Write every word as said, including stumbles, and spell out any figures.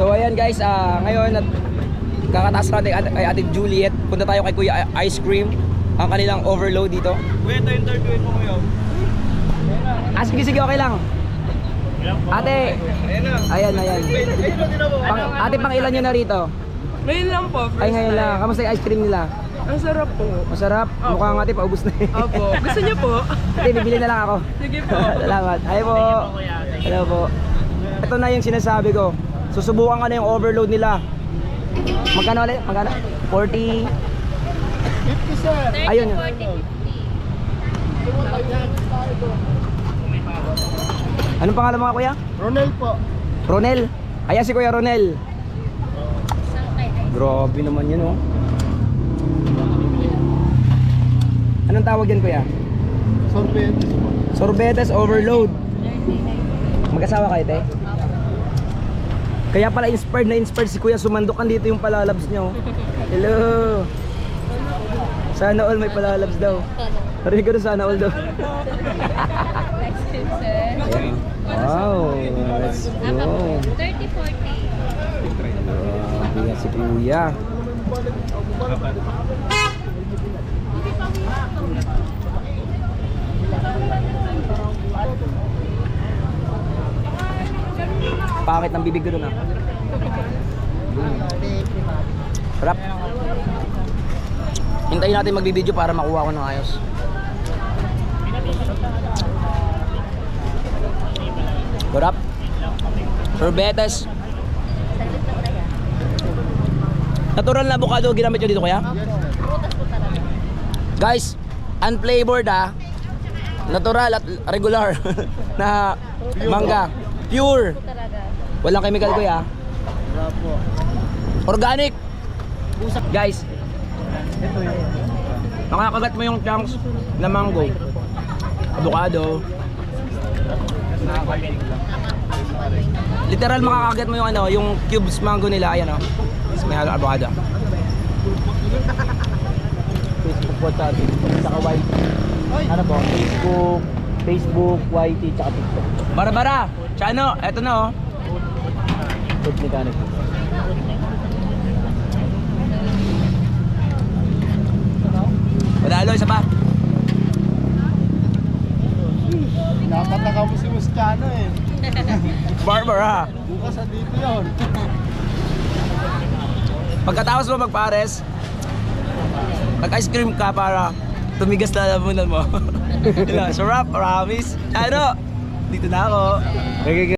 So ayan guys, uh, ngayon at kakataas natin kay, kay Ate Juliet. Punta tayo kay Kuya Ice Cream, ang kanilang overload dito. Kuya, ito interviewin mo ngayon. Ah, sige sige, okay lang. Ate, ayan ayan. Pang, ate, pang ilan nyo na rito? Ngayon lang po. Ay ngayon lang, kamusta yung ice cream nila? Ang sarap po. Masarap, mukhang ate paubos na eh. Opo. Gusto niyo po? Ate, bibili na lang ako. Sige po. Salamat. Hi po. Hello po. Ito na yung sinasabi ko. Susubukan ka na yung overload nila. Magkano ulit? Magkano? forty? fifty, sir. Ayun yun. Anong pangalan mga kuya? Ronel po. Ronel. Ayan si Kuya Ronel. Grabe naman yun oh. Anong tawag yan kuya? Sorbetes po. Sorbetes overload. Mag-asawa kayo te? Kaya pala inspired na inspired si Kuya sumandokan dito yung palalabs niya oh. Hello. Sana all may palalabs daw. Narinig ko na sana all daw. Ayan. Wow, let's go. thirty forty. Grabe nga si Kuya. Pangit ng bibig ko doon ah. Sarap. Hintayin natin magbibideo para makuha ko ng ayos. Sarap. Sorbetes. Natural na avocado ginamit nyo dito kuya? Guys, unflavored ah. Natural at regular na mangga. Pure. Walang chemical kuya. Wala po. Organic. Guys, makakagat mo yung chunks na mango, avocado. Literal makakagat mo yung ano, yung cubes mango nila, ayan oh. May halo avocado. Facebook po sa saka Y T. Ano po? Facebook, Facebook, Y T, tsaka TikTok. Bara-bara! Tsaka ano, eto na oh. Food mechanic. Padalo, isa pa. Napataka mo si Muscano eh. Barbara. Bukas sa dito yun. Pagkatapos mo magpares, mag-ice cream ka para tumigas na lamunan mo. Sarap, promise. Ano? Dito na ako.